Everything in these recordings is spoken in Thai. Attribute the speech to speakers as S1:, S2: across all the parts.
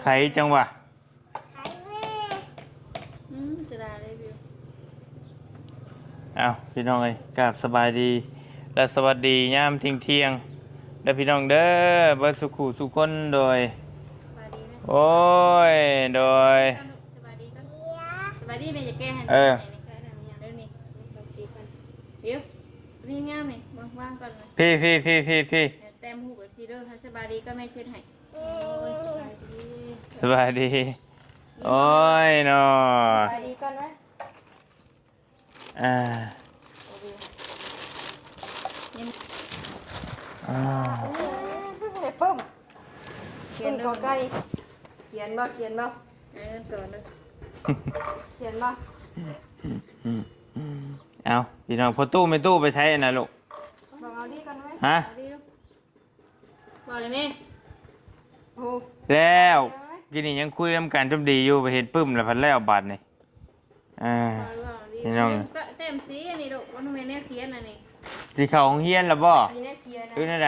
S1: ไขจังหวะ
S2: จะได้เลยพี่
S1: อ้าวพี่น้องเอ้ยกราบสบายดีและสวัสดียามเที่ยงเด้อพี่น้องเด้อเบิดสุขุสุขคนโดย
S2: สบายดีไหม
S1: โอ้ยโดย
S2: สบายดีกันสบายดีไหมจะแก้ให้
S1: เออ
S2: เดี๋ยวนี้เดี๋ยวนี่งามนี่ว่างก่อนเลย
S1: พี่
S2: เต็มหูกับทีเด้อสบายดีก็ไม่เช็ดให้
S1: สบายดีโอ้ยเนาะ
S2: สบายดีก่อนไหม
S1: อ่า
S3: ปุ้ม
S2: เขียน
S3: ก็ใกล้เขียนบ่
S2: สอนเลย
S3: เขียนบ่
S1: เอาพี่น้องพอตู้ไม่ตู้ไปใช้นะลูก
S3: บอกเอาดีกันไหม
S1: ฮะ
S2: บอกเลยแม่
S3: โอ้
S1: แล้วกินนี่ยังคุยกันกันจมดีอยู่ไปเห็นปึ้มแล้วพันแล้วบัดนี่พี่น้อง
S2: เต็มสีอันนี้ลูกวันทำไมเนี่ยเขียนอันนี้
S1: สีเขาของเฮียนแล้วบ่
S3: มีแน่เขียนนะ
S1: ดูในไหน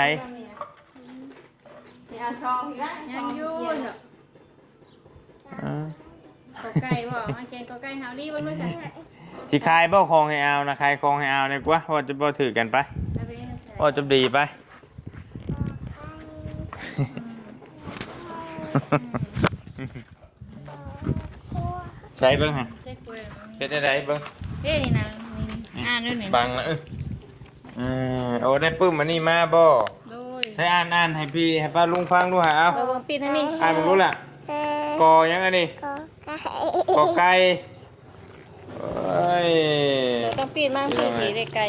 S3: มีอาชองอีกแล้ว
S2: ยังยุ่งเหรอก็ไก่บ่มาเขียนก็ไก่เฮาดีบ้างด้วยค่ะ
S1: ที่คายบ่คองให้เอานะคายคองให้เอาเนี่ยกว่าว่าจะบ่ถือกันไปว่าจะดีไปใช้เบิ่งฮะเฮ็ดได้เบิ่ง
S2: เฮ้ยนี่นะอ่านด้วยนี่
S1: บังละโอ้ได้ปึ้มอันนี้มาบ่
S2: โดย
S1: ใช้อ่านให้พี่ให้ป้าลุงฟังดูหาเอา
S2: เบิ่งปิดให้นี่
S1: อ่านมึงรู้ล่ะกอยังอันนี้กอไก่โอ้ย
S2: ต้องปิดมากคือสีเด็กไก่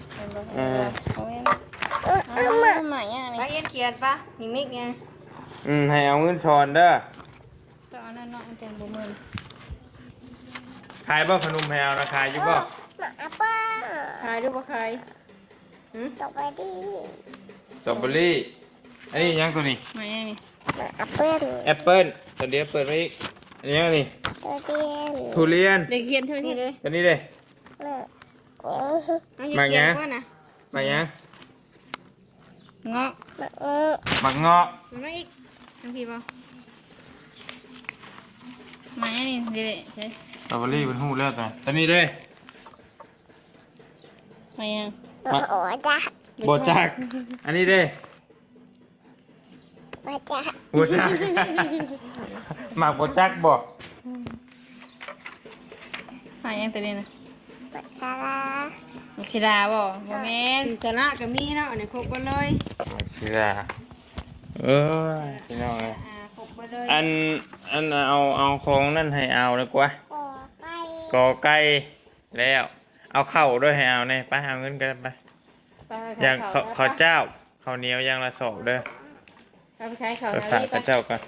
S2: ใหม่อ่ะนี่
S3: ไปเขียนปะนิมิกไง
S1: ให้เอาเงินช้อนเด้อ
S2: ตอนนั้นเนาะอาจารย์บ่มื้อ
S1: ขายบ่ขนมแพวนะขายอยู่บ่
S3: ขายดูบ่ขาย
S1: สตรอเบอรี่อันนี้ยังตัวนี้
S2: ใหม่นี่
S1: แอปเปิ้ลตัวเดียวเปิดไว้อีกอันนี้ยังนี่ทุเรียน
S2: เด็กเขียนเท่านี้เลย
S1: ตัวนี้เลย
S3: มาเขียนว่านะ
S1: มายัง
S2: เงาะ
S1: มักเงาะ
S2: มันมาอีกทังพี่บ่ใหม่นี่เด็กใช่
S1: สตรอเบอรี่เป็นหูเลือดตัวนี้เลย
S2: ใหม่ยัง
S1: โบจักอันนี้เลยโบจักหมักโบจักบ่
S2: ใหม่ยังตัวนี้นะมักชิดาบ่บ่แม่น
S3: มีสาระก็มีเนาะอันนี้ครบกันเลย
S1: เสือพี่น้องเลย
S3: ครบกันเลย
S1: อันเอาของนั่นให้เอาเลยกว่ากอไก่แล้วเอาเข้าด้วยให้เอาเนี่ยไปเอาเงินกันไปอย่างข้าวเจ้าข้าวเหนียวอย่างละสอบเด้อ
S2: เอาไปขายข้าว
S1: ไป
S2: นา
S1: ฝาก
S2: ลี
S1: ข้า
S2: ป่ะ
S1: เจ้ากัน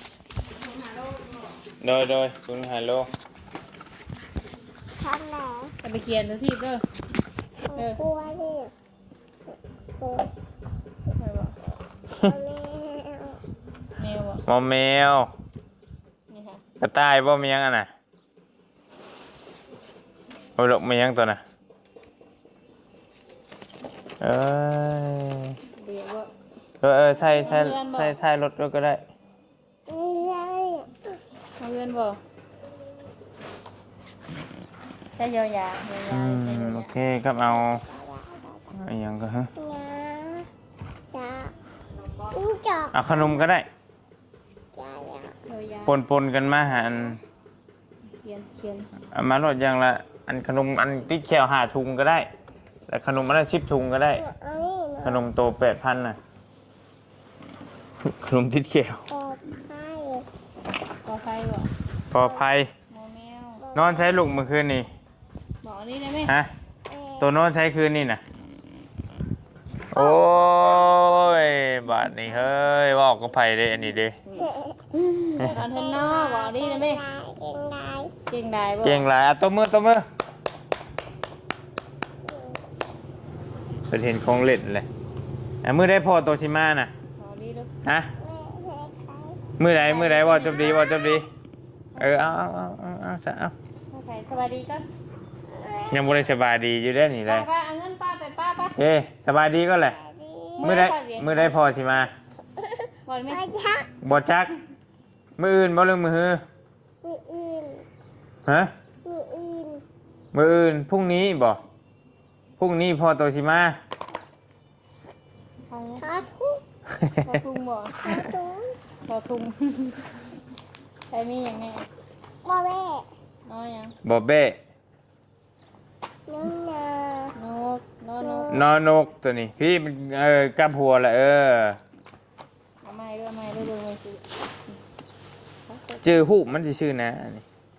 S1: โดยคุณฮัลโหล
S2: เอาไปเขียนตัวที่เด้อเด้อแมวบ่
S1: หมอแมว
S2: นี่ค่ะ
S1: กระต่ายบ่มียังอ่ะน่ะโอ้ยลูกมียังตัวน่ะเอ้ย
S2: เรียกว่า
S1: ใส่รถก็ได้
S2: เอาเงินบ่ใช้ยาวๆ
S1: โอเคครับเอาอย่างก็ฮะเอาขนมก็ได้ปนกันมาหัน
S2: เขียน
S1: เอามาลดอย่างละอันขนมอันที่แคว5 ถุงก็ได้แต่ขนมอันละ10 ถุงก็ได้ขนมโต8,000น่ะขนมติดแคว
S2: ขอไฟบ่
S1: ปลอดภัย
S2: หมอแมวน
S1: อนใช้ลูกเมื่อคืนนี่
S2: บอกนี่ได้ไหม
S1: ฮะตัวนอนใช้คืนนี่น่ะโอ้ยบาดนี่เฮ้ยว่าออกก็ไผ่เด้อันนี้เด้
S2: ตอนเทนนอบอกนี่ได้ไหมเก่งได้บ่
S1: เก่งหลายตัวมือเป็นเห็นของเล่นเลยมือได้พอโตชิมาน่ะ
S2: ขอดีดู
S1: ฮะมือไหนว่าจบดีเอา
S2: สบายดีกัน
S1: ยังบ่ได้สบายดีอยู่ได้นี่เลย
S2: ป้าเอาเงินป้าไปป้าป่ะ
S1: เอ้สบายดีก็แหละมือได้พอชิมา
S2: บอกไหม
S1: บ่จักมื้ออื่นบ่เรื่องมื้อฮือ
S4: มืออื่น
S1: ฮะ
S4: มืออื่น
S1: มื้ออื่นพรุ่งนี้บ่พรุ่งนี้พ่อโตสิมา
S4: ทอทุก
S2: พอทุ่งบ่
S4: ทอทุก
S2: พอทุ่งใครมีอย่างแน่
S4: บ่แม่
S2: น้อยยัง
S1: บ่เบ้
S4: น้องนาน
S2: กน้อนก
S1: นอนกตัวนี้พี่มันกับหัวละ
S2: เอาไม้ด้วยเอาไม้ด้วยดูมันสิ
S1: ชื่อฮูบมันสิชื่อนะนี่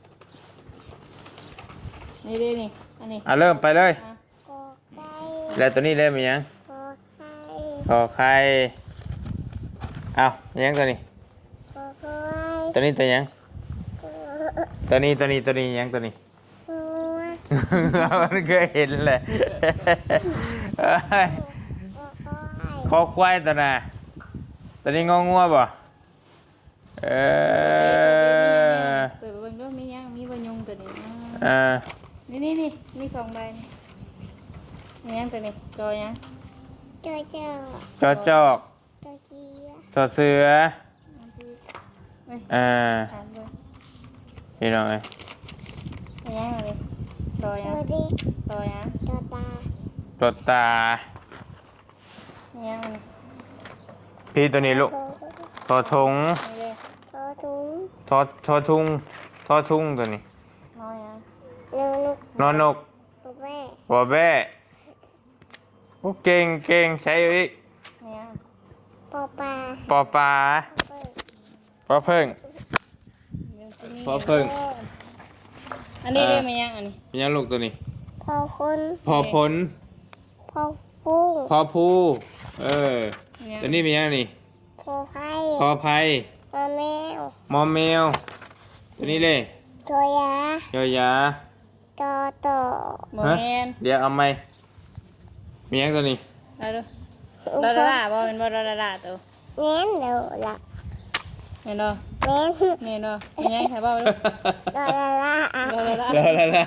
S2: นี่ดินี่อันนี้
S1: เริ่มไปเลย
S2: อ่ะ
S4: กอไก่
S1: แล้วตัวนี้เล่มอีหยัง
S4: กอไก่
S1: ขอไข่เอาอีหยังตัวนี้
S4: กอไก่
S1: ตัวนี้ตัวหยัง
S4: กอ
S1: ตัวนี้อีหยังตัวนี้
S4: หัว
S1: มันเคยเห็นเลยเอ้ย
S4: กอไก่
S1: คอควายตัวน่ะตัวนี้งองัวบ่
S2: เปิดไปเบิ่งด้วยมียังมีบะยงตัวนี้ นี่นี่สองใบนี่มียังตัวนี้จอยัง
S4: เจ้าเจ้า
S1: จอจอก
S4: เจ้าเจีย
S1: สอเสือ
S2: เฮ้ย ถามเลย
S1: พี่น้องเอ้ย
S2: มียังอะไรรอยั
S4: เจ้าง ดิ
S2: รอยัง
S4: เจ้าตาร
S1: ถตา
S2: มียังอะไร
S1: พี่ตัวนี้ลูกทอทง
S2: นี่เลย
S4: ทอถุง
S1: ทอทุงตัวนี้
S2: รอยัง
S4: นอนนก
S1: นอนก
S4: แม่
S1: บ่แบ้โอ้เก่งใช้อีก
S2: มียัง
S4: ปอปลา
S1: ปอปลาปอเพิ่ง
S2: เดี๋ยวสิมี
S1: ปอเพิ่ง
S2: อันนี้เลยมียังอันนี้
S1: มียังลูกตัวนี้
S4: พอคน
S1: พอผล
S4: พอพุ่ง
S1: พอผู้
S2: มียัง
S1: ตัวนี้มียังนี่
S4: พอไข่
S1: พอไผ่
S4: พอแมว
S1: มอมแมวตัวนี้เลย
S4: ตัวยาย
S1: อยา
S4: ตอต่อ
S2: โมเมน
S1: เดี๋ยวเอาไหมมียังตัวนี้
S2: เอาดูดาดาบ่เป็นบ่ดาดาตัว
S4: แม่นเดี๋ยวละ
S2: เห็นบ่
S4: แม่น
S2: เห็นบ่มียังใครบ่ดู
S4: ดอละละอ่ะ
S2: ดาดา
S1: แล้ว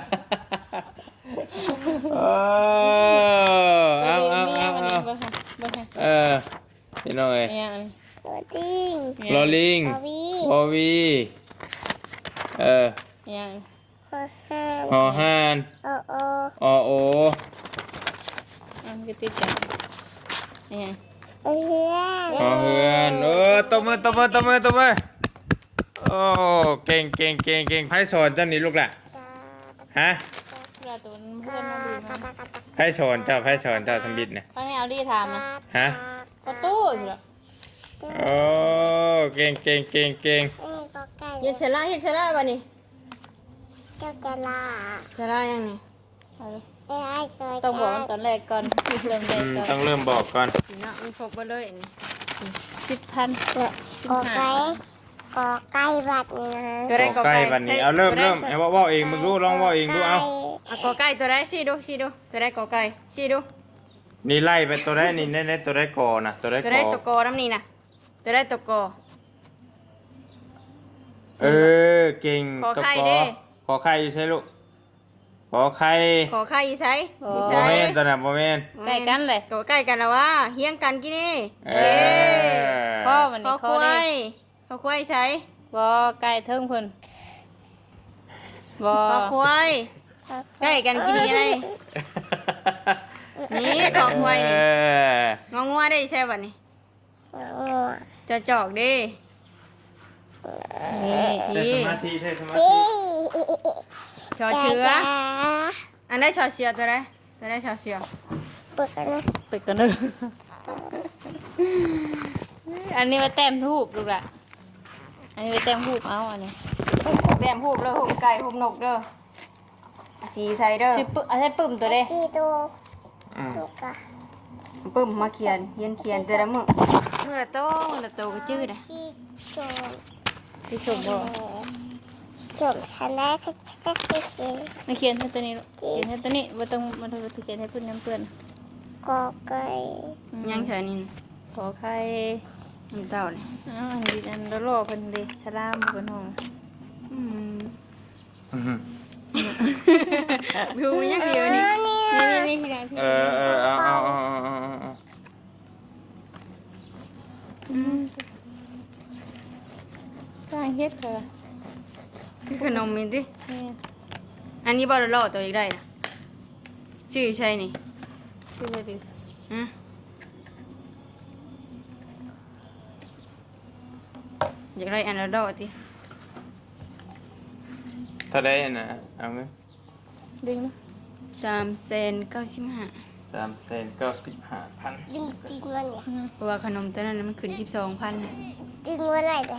S1: เอา
S2: บ่ให้
S1: พี่น้องเอ้ย
S2: มียังอันนี้
S4: ตัวติ้ง
S1: ลอลิง
S4: พอวี
S1: พอวี
S2: มียัง
S4: พอห้า
S1: หอหาน
S4: โอโอ
S1: อโอ
S2: อันก็ติดกันมียัง
S4: เฮือน
S1: หอเฮือนตบมือโอ้เก่งไพ่สอนเจ้านี่ลูกล่ะฮะ
S2: เวลาตัวเพื่อนมาดูมา
S1: ไพ่สอนเจ้าทำบิดนะ
S2: ตอนนี้เอาดีถามนะ
S1: ฮะ
S2: ประตูอยู่แล้ว
S1: โอ้เก่ง
S4: ก็ไก่
S3: เฮ็ดเสร็จแล้วบัดนี้
S4: เจ้าจะลา
S3: เสร็จแล้วยังนี่
S2: เอาเลย
S4: ไอ้เคย
S2: ต้องบอกตอนแรกก่อนเริ่มแรกก่อน
S1: ต้องเริ่มบอกก่อน
S3: เนาะมีครบบ่เลยนี่
S2: 10,000
S4: ก็ไก่ก็ไก่บัดนี้นะ
S3: ตัวใด
S1: บอกใกล้วันนี้เอาเริ่มไอ้ว่าเองมึงรู้ลองว่าเองดูเอา
S3: กอไก่ตัวใดชี้ดูตัวใดกอไก่ชี้ดู
S1: นี่ไล่ไปตัวได้นี่ในตัวได้กอนะตัวได้
S3: ตัว
S1: ก
S3: ใด
S1: อ
S3: ตัวกอน้ำนี่น่ะตัวใดตัวกอ
S1: เก่ง
S3: ขอไข่
S1: ตัว
S3: เด้
S1: ขอไข่อยู่ใช่ลูกขอไข่
S3: ขอไข่อีไสอี
S1: โม
S3: ไส
S1: เมนตัวน่ะโมเมน
S2: ใกล้กันเลย
S3: กอไก่กันแล้วว่าเฮียงกันกี่นี่
S2: พ่อวัน
S3: ขอ
S2: นี้
S3: ค
S2: เขา
S3: วา
S2: ได้
S3: ยขอควายใช้
S2: บ่ใกล้เทิงเพิ่นบ่
S3: ขอควายใกล้กันกี่นี่ไงนี่ขอควายนี่งองัวได้ใช่ป่ะนี่จะจอกดิ
S2: นี่
S1: ใช้สมาธิใช้สมาธิ
S4: พี่
S3: ชอเชื้อ
S4: จ้า
S3: อันได้ชอเชื้อตัวใดตัวได้ชอเชื้อ
S4: เปิดกันนะ
S2: ตึกกันเด้ออันนี้มาแต้มทูบลูกล่ะอันนี้ไปแต้มทูบเอาอันนี้
S3: แบมหูบเลยหูบไก่หูบนกเด้อสีใส่เด้อ
S2: ชื่อปึเอาใช้ปึ้มตัวเด้
S4: ที่ตัว
S1: อืม
S4: ลูกอะ
S3: ปึ้มมาเขียนแต่ละมื้อละโตก็จื้อได้
S4: ที่โจม
S2: ที่ชมบ่
S4: โจมฉันได้แค่กิน
S2: มาเขียนให้ตัวนี้ลูกเขียนให้ตัวนี้บ่ต้องมาถูกเขียนให้เพิ่นน้ำเปื้อน
S4: กอไก่
S3: ยังใช่นี่
S2: ขอไข่
S3: น้ำเต้าเลย
S2: อ้าวอันนี้อันละโลเพิ่นเด้สลามเพิ่นห้อง
S3: อืม
S1: อืม
S3: ดูยังเดียวนี่
S2: นี่ที่ไหนที่
S1: เอา
S2: ได้เฮ็ดค่ะ
S3: คือขนมมีติ
S2: แม่
S3: อันนี้บ่ได้รอตัวอีกได้นะชื่อใช่นี่
S2: คือว่าดิ
S3: ฮะอยากได้อันละดอกติ
S1: ถ้าได้น่ะเอาเงิน
S2: ดึงนะ
S3: 395,000
S1: 395,000
S4: ดึงจริงวะเนี่ย
S3: เพราะว่าขนมตัวนั้นน่ะมันขึ้น12,000น่ะ
S4: ดึงว่าอะไรเนี่ย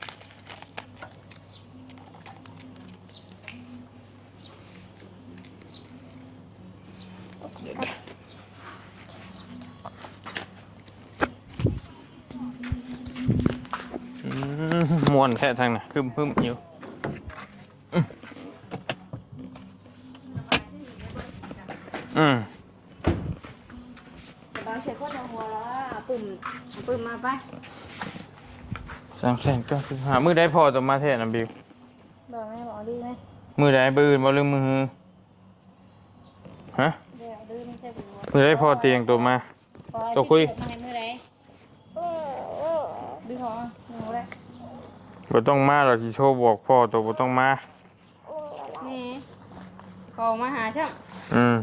S1: ม่วนแท้ทางน่ะพึ่มๆอยู่อืม
S3: เราเช็คว่าจะหัวแล้วปุ่มมาไป
S1: 395,000มื้อใดพอตัวมาแท้น่ะบิว
S2: บอกแม่บอกดื้อไหม
S1: มื้อใดบื้อบ่ลืมมือฮะ
S2: เดี๋ยวดื้อไม่ใช่เป็นวัว
S1: มื้อใดพอเตียงตัวมา
S2: ปล่อย
S1: ตัวคุย
S2: สิเกิดมาให้มือไหนดึงของหนูเลย
S1: บ่ต้องมาหรอกสิโชว์บอกพ่อตัวบ่ต้องมา
S3: นี่ขอมาหาช่าง
S1: อืม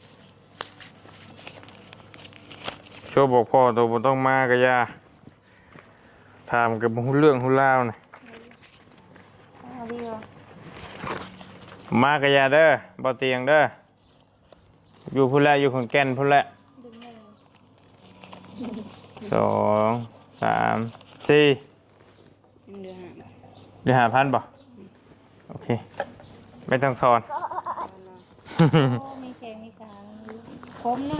S1: โชว์บอกพ่อตัวบ่ต้องมาก็อย่าถามกับบ่ฮู้เรื่องฮู้ราวน่ะ
S2: เอาดีกว่า
S1: มาก็อย่าเด้อบ่เตียงเด้ออยู่พุ่นแหละอยู่ขอนแก่นพุ่นแหละ
S2: ดึงได้เลย
S1: 2 3 4
S3: เดือน
S1: เดี๋ยว5,000บ่โอเคไม่ต้องทอน
S2: โอ้มีแขงมีขาคมเนาะ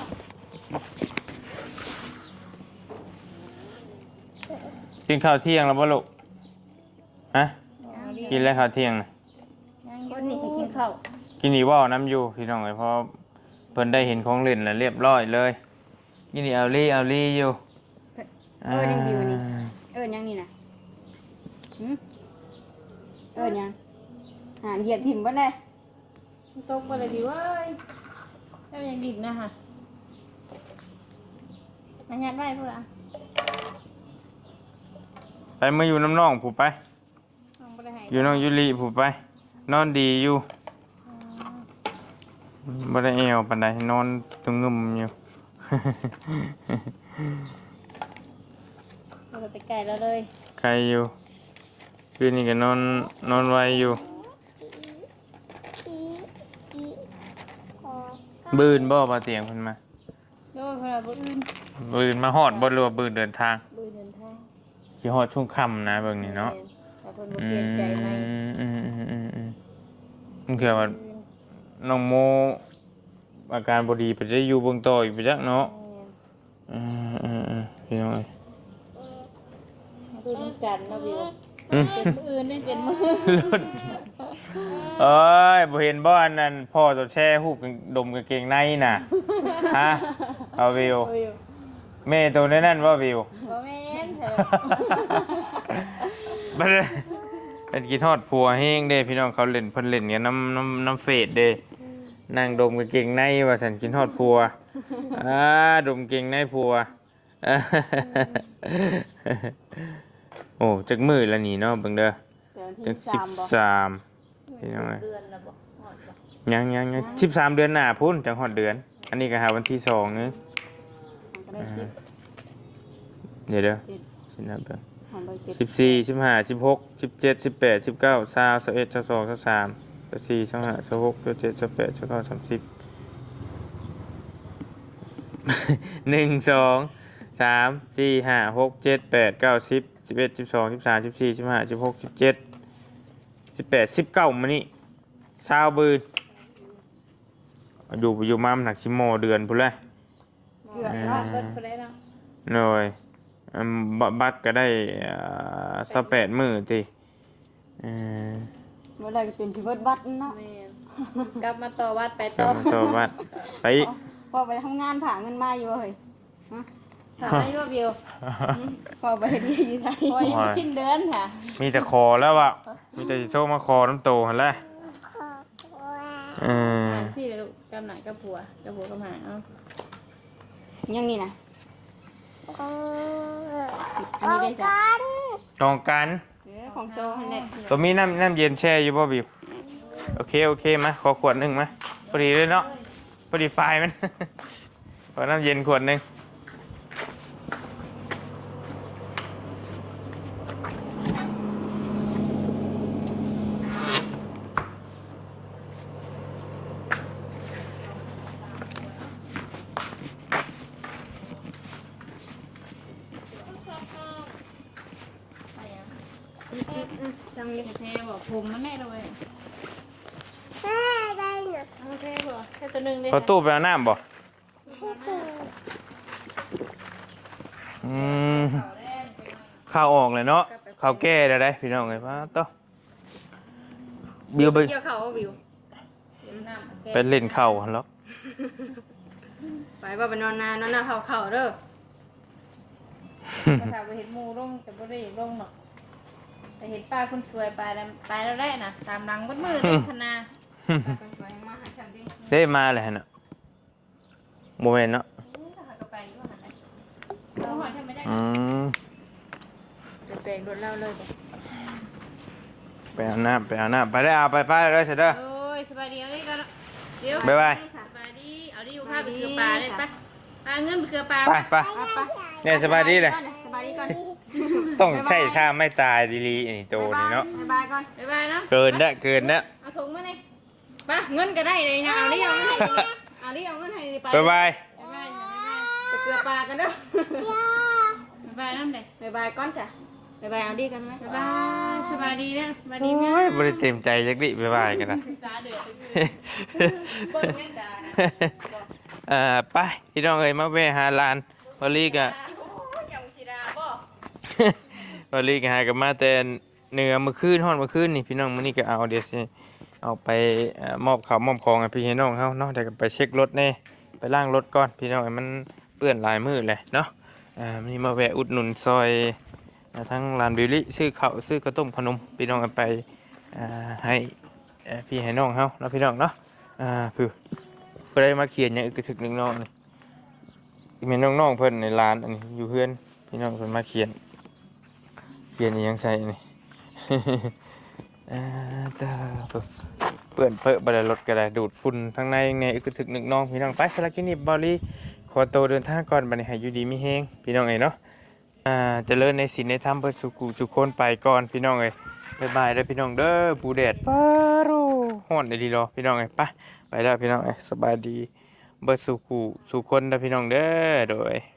S1: กินข้าวเที่ยงแล้วบ่ลูกฮะ
S2: เอาดี
S1: กินแล้วข้าวเที่ยงน่ะ
S2: ยัง
S3: คนนี้สิกินข้าว
S1: กินอีกว่าวน้ำอยู่พี่น้องเอ้ยเพราะเพิ่นได้เห็นของเล่นแล้วเรียบร้อยเลยกินนี่เอาลี่อยู่
S3: ยังบิวนี่ยังนี่นะยังเหยียบถิ่มบ่ได้
S2: ตกไปเลยดิเว้ยแล้วยังดิ่งนะฮะอันยันไว้เพื่อ
S1: ไปมาอยู่น้ำน้องผู้ไป
S2: ต้องไปให้
S1: อยู่น้องยุลีผู้ไป นอนดีอยู่บ่ได้แอวปานใดนอนตรงงึมอยู่
S2: เราไปไก่แล้วเลย
S1: ใครอยู่คืนนี้ก็นอนไวอยู่
S4: อีอีขอ
S1: บืนบ่มาเตียงเพิ่นมา
S2: โดยพระบุอื่น
S1: บืนมาฮอดบ่หรือว่าบืนเดินทาง
S2: บุญเดินทาง
S1: สิฮอดช่วงค่ำนะเบิ่งนี่เนาะ
S2: แต่เพิ่นบ่เปลี่ยนใจไหม
S1: มันคือว่าน้องโมอาการบ่ดีไปได้อยู่เบิ่งต่ออีกไปจักเนาะพี่น้องเอ้ย
S2: ดูน้ำกันเนาะบิว
S1: อืม
S2: เป็นมืออื่นนี่เป็นมือ
S1: รุ่นเอ้ยบ่เห็นบ่อันนั้นพ่อตัวแช่ฮูบดมกางเกงในน่ะฮะเอาวิว
S2: โอ้ย
S1: แม่ตัวนั้นว่าวิว
S2: บ่แม่นเถอะ
S1: บ่ได้เป็นกี่ทอดผัวแห้งเด้พี่น้องเขาเล่นเพิ่นเล่นกันน้ำเฟซเด้นั่งดมกางเกงในว่าฉันกินทอดผัวดมเกงในผัวโอ้จักมื้อละนี่เนาะเบิ่งเด้อ
S3: เดี๋ยว
S1: จั
S3: ที่
S1: ก
S3: 3บ่
S1: 13พี่น้องเอ้ย
S2: เดือนละบ่ฮอดบ่
S1: ยัง13 เดือนหน้าพุ่นจังฮอดเดือน อันนี้ก็หาวันที่2นึง
S3: ก็ได้10
S1: เดี๋ยว
S3: 7
S1: สินับเบิ่ง
S3: ของใบ7
S1: 14 15 16 17 18 19 20 21 22 23 24 25 26 27 28 29 30 1 2 3 4 5 6 7 8 9 10 11 12 13 14 15 16 17 18 19มื้อนี้20บืนอยู่มามันหนักสิโมเดือนพุ่นแหละ
S3: เกือบเนาะ
S2: เบิดไปได้เนาะ
S1: หน่อยบัตรก็ได้28มื้อติ
S3: เมื่อไรก็เป็นชีวิตบัตรเนาะ
S2: แม่นกลับมาต่อวัดไป
S1: ก็
S2: ต่อ
S1: มาต่อบัตรไป
S3: พอไปทำงานผ่าเงินมาอยู่เฮ้ย
S2: ถามให้ว่าบิว
S3: พอไปดีอยู่ไทย
S2: พอยังไม่สิ้นเดือนค่ะ
S1: มีแต่ขอแล้วอ่ะมีแต่สิโทรมาขอน้ำโตหั่นแหละ
S4: ขอว่า
S2: หานสิเลยลูกกำหนักกับผัวกำหาเอา
S3: ยังนี่นะ
S4: เออ
S3: อันนี้ได้จ้ะ
S4: กัน
S1: ตรงกัน
S3: เออของโตหั่นแหละ
S1: ตัวมีน้ำเย็นแช่อยู่บ่บิวโอเคมาขอขวดหนึงมาพอดีเลยเนาะพอดีไฟมัน ขอน้ำเย็นขวดหนึง
S3: จังเลย
S2: แท้บอกผมมันแน่เลย
S4: แม่ได้หนู
S2: โอเคบ่แค่ตัวหนึงเลย
S1: พอตู้ไปเอาน้ำบ่ข้าวออกเลยเนาะข้าวแก่ได้พี่น้องไงป้าโตบิวไป
S3: เกี่ยวเขาเอาวิว
S2: น้ำ
S1: ไปเล่นข้าวหั่นหรอก
S3: ไปว่าไปนอนนาเขาเด้อ
S2: ภาษาไปเห็นหมูลงแต่บ่ได้ลงหรอกแต่เห็นป้าคนสวยไปแล้วแหละนะตามหลังมืดๆธนา
S3: ไปมาหาฉันดิ
S1: ได้มาเลยเนาะโมเมนต์เนาะ
S2: ถ้าหากไปอยู่ว่าหันไหนเราหอยทำไม่ได้
S3: จะแปลงรถเล่าเลยบ่
S1: ไปเอาน้ำไปได้เอาไปเลยเสร็จเด้อ
S2: โอ้ยสบายดีเอาดิกันเดี๋ยว
S1: บ๊ายบาย
S2: สบายดีเอาดิอยู่ภาพไปเกลือปลาเลยไปปลาเงินไปเกลือปลา
S1: ไปเนี่ยสบายดีเลย
S3: สบายดีก่อน
S1: ต้องใช่ท่าไม่ตายดีๆนี่โตนี่เนาะ
S3: บ๊ายบายก่อน
S2: บ๊ายบายเนาะ
S1: เกินนะ
S2: เอาถุงมานี่
S3: ไปเงินก็ได้เลยนะเอาดิเอาเงินให้ดีเอาดิเอาเงินให้ดีไป
S1: บ๊ายบาย
S2: บ๊ายบาย
S3: ไปเกลือปลากันเด้อ
S2: บ๊ายบายน้ำเด็ก
S3: บ๊ายบายก่อนจ้ะบ๊ายบายเอาดีกันไหม
S2: บ๊ายบายสบายดีนะสบายดีไหม
S1: โอ้ยบริเต็มใจจักดิบ๊ายบายกันนะ
S2: ตาเดือด
S3: เบิ้งยังด่านะ
S1: ไปพี่น้องเอ้ยมาแวะหาลานวอลลี่กะ
S3: ยังชิดาบ่
S1: วอลลี่กะหากับมาแต่เหนือเมื่อคืนฮ้อนเมื่อคืนนี่พี่น้องมื้อนี้ก็เอาเดี๋ยวสิเอาไปมอบข้าวมอบของให้พี่ให้น้องเฮาเนาะเดี๋ยวก็ไปเช็ครถแน่ไปล้างรถก่อนพี่น้องเอ้ยมันเปื้อนหลายมื้อเลยเนาะมื้อนี้มาแวะอุดหนุนซอยทั้งร้านบิวลี่ซื้อข้าวซื้อกระต้มขนมพี่น้องเอาไปให้พี่ให้น้องเฮาเนาะพี่น้องเนาะผู้ใดมาเขียนหยังอึกกระทึกนึงน้องนี่แม่น้องๆเพิ่นในร้านอันนี้อยู่เฮือนพี่น้องเพิ่นมาเขียนอีหยังใส่นี่ ตาเปื้อนเปอะบ่ได้รถก็ได้ดูดฝุ่นทั้งในในอึกกระทึกนึงน้องพี่น้องไปสลักกินนี่บอลี่ขอตัวเดินทางก่อนบัดนี้ให้อยู่ดีมีแฮงพี่น้องเอ้ยเนาะเจริญในศีลในธรรมเพื่อสุขุสุขคนไปก่อนพี่น้องเอ้ยบ๊ายบายเด้อพี่น้องเด้อปูแดดป้าโรฮ้อนดีรอพี่น้องเอ้ยไปแล้วพี่น้องเอ้ยสบายดีเบิดสุขุสุขคนเด้อพี่น้องเด้อโดย